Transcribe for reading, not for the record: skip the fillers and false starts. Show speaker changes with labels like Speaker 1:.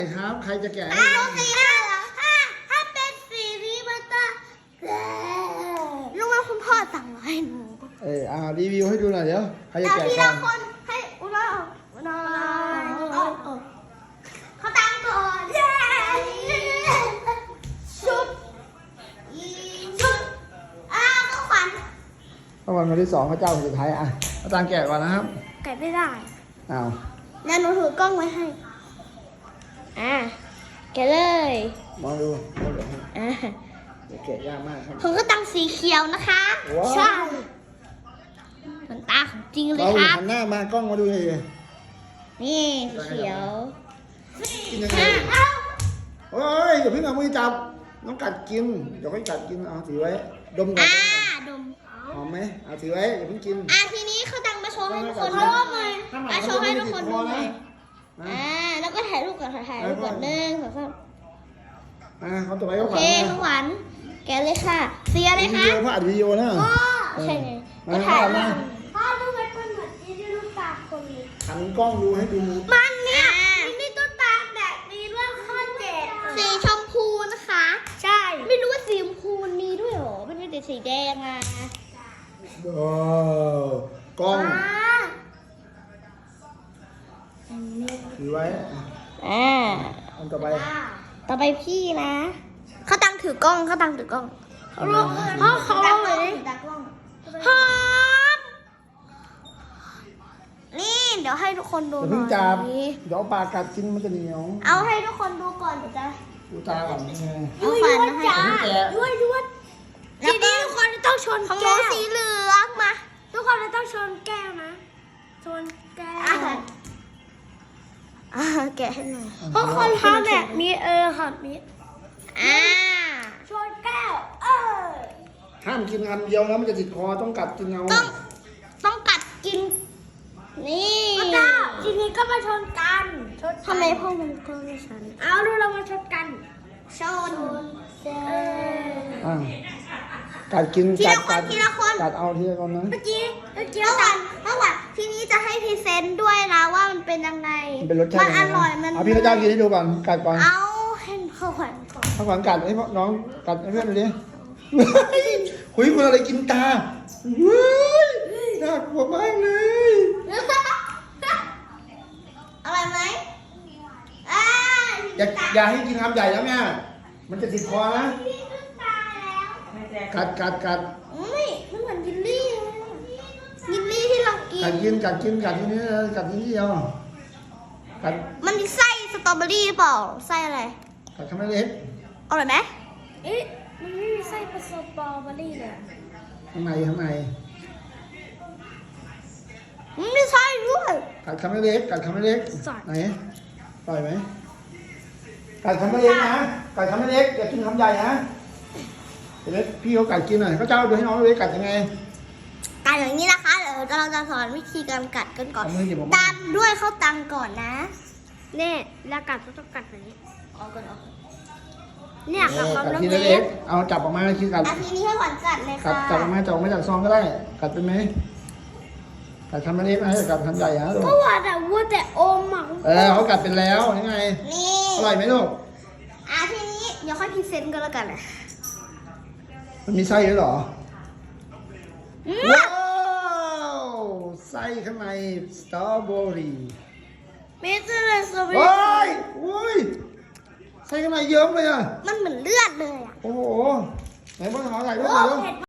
Speaker 1: ครับใครจะแกะ
Speaker 2: เอาสีหน้าเหรอถ้าเป็นสีนี้มันจะรู้ไหมคุณพ่อสั่งมาให้หนู
Speaker 1: รีวิวให้ดูหน่อยเดี๋ยวใครจะแกะ
Speaker 2: ที
Speaker 1: ก่อ
Speaker 2: ละ
Speaker 1: น
Speaker 2: คนให้อุณาเขาตั้งก่อนชุดก็ขวัญ
Speaker 1: วันที่2พระเจ้าสุดท้ายอาจารย์แกะก่อนนะครับ
Speaker 2: แกะไม่ได้
Speaker 1: อ้าว
Speaker 2: แล้วหนูถือกล้องไว้ให้แกะเลย
Speaker 1: มองดูแกะยากมากครับ
Speaker 2: ผมก็ตั้งสีเขียวนะคะใช่เหมือนตาของจริงเลยครับ
Speaker 1: หันหน้ามากล้องมาดูเลย
Speaker 2: นี่สีเขียว
Speaker 1: กินยังไงโอ้ยอย่าเพิ่งเอามือจับน้องกัดกินเดี๋ยวค่อยกัดกินเอาถือไว้ดมก่อน
Speaker 2: ดม
Speaker 1: หอมไหมเอาถือไว้อย่าเพิ่งกิน
Speaker 2: ทีนี้เขาดังมาโชว์ให้ทุกคนดูหน่อยโชว์ให้ทุกคนดูหน่อยแล้วก็ถ่ายรูปก่อนถ่ายรูปก่อน1 2 3
Speaker 1: เขาต่อไปก็ขวัญ
Speaker 2: ข้าวหวานแกเลยค่ะเสียเลยค่ะ
Speaker 1: พ่ออัดวิดีโอนะ
Speaker 2: ใช่ไงก็ถ่ายมาพ่อดูไว้เป็นเหมือนที่ลูกตาคนนี้
Speaker 1: หันกล้องดูให้ดู
Speaker 2: มันเนี่ยนี่ตุ๊กตาแบบนี้ด้วยข้อ7สีชมพูนะคะใช่ไม่รู้ว่าสีชมพูมันมีด้วยหรอมันมีแต่สีแดง
Speaker 1: กล้องถือไว้อันต่
Speaker 2: อไปพี่นะเขาตั้งถือกล้องเขาลองเลยหอมนี่เดี๋ยวให้ทุกคนดูหน่อย
Speaker 1: เดี๋ยวปากกัดกินมันจะเหนียว
Speaker 2: เอาให้ทุกคนดูก่อนเดี๋ยวจะ
Speaker 1: ดูตาก่อน
Speaker 2: เอาฟันมาให้ด้วยทีนี้ทุกคนต้องชนแก้วสีเหลืองมาทุกคนต้องชนแก้วนะชนแก้วแกะให้หน่อยเพราะคนทำแบบนี้ค่ะมีชนแก้ว
Speaker 1: ห้ามกินคำเดียวนะมันจะติดคอต้องกัดกินเอา
Speaker 2: ต้องกัดกินนี่ทีนี้ก็มาชนกันทำไมพ่อมันก็ไม่ชนเอาดูเรามาชนกันชน
Speaker 1: กัดกิน
Speaker 2: ทีละคน
Speaker 1: กัดเอาทีละคนนะ
Speaker 2: เมื่อกี้เมื่อวานทีนี้จะให้พรีเซนต์ด้วยนะว่ามันเป็นยังไงมันอร่อยมัน
Speaker 1: เอาพี่พระเจ้ากินให้ดูก่อนกัดก่อน
Speaker 2: เอาให้ข้าวขวัญก่อน
Speaker 1: ข้าวขวัญกัดให้น้องกัดให้เพื่อนดูดิคุยคนอะไรกินตาน่ากลัวมากเลย
Speaker 2: อะไรไหม
Speaker 1: อย่าให้กินคำใหญ่แล้วแม่มันจะติดคอนะกัด
Speaker 2: มันเหมือนยินลี่ที่เรากิน
Speaker 1: กัดที่นี่กัดที่นี่เดียวกัด
Speaker 2: มันมีไส้สตรอเบอรี่เปล่าไส้อะไร
Speaker 1: กัดทำไมเล็ก
Speaker 2: อร่อยไหมมันไม่มีไส้ผสมสตรอเบอรี่เลย
Speaker 1: ข้างใน
Speaker 2: มันไม่ใช่ด้วย
Speaker 1: กัดคำไม่เล็กไหนปล่อยไหมกัดคำไม่เล็กนะกัดคำไม่เล็กอย่ากินคำใหญ่นะเล็กพี่เขากัดกินหน่อยเขาเจ้าดูให้น้องเล็กกัดยังไง
Speaker 2: กัดอย่างนี้นะคะเดี๋ยวเราจะสอนวิธีการกัดกันก่อนตามด้วยข้าวตังก่อนนะเนี่ยแล้วกัดต้องกัดแบบนี้เอาก่อนเนี่ยกับความเล็ก
Speaker 1: เอาจับออกมาคิดกัด
Speaker 2: ทีนี้ให้ขวัญกัดเลยค่ะ
Speaker 1: จับออกมาจากซองก็ได้กัดเป็นไหมกัดคำไม่เล็กนะกัดคำใหญ่ฮะ
Speaker 2: เพราะว่าแต่อมอ่ะ
Speaker 1: เขากัดเป็นแล้วยังไงอร่อยไหมลูก
Speaker 2: ทีนี้เดี๋ยวค่อยพรีเซนต์กันแล้วกันเลย
Speaker 1: มันมีไส้ด้วยเหรอว้าวไส้ข้างในสตรอเบอรี่
Speaker 2: ไม่ใช่เลยสตรอเบอรี่
Speaker 1: โอ้ยไส้ข้างในเยิ้มเลย
Speaker 2: มันเหมือนเลือดเลย
Speaker 1: โอ้โหไหนบ้างขอถ่ายรูปหน่อย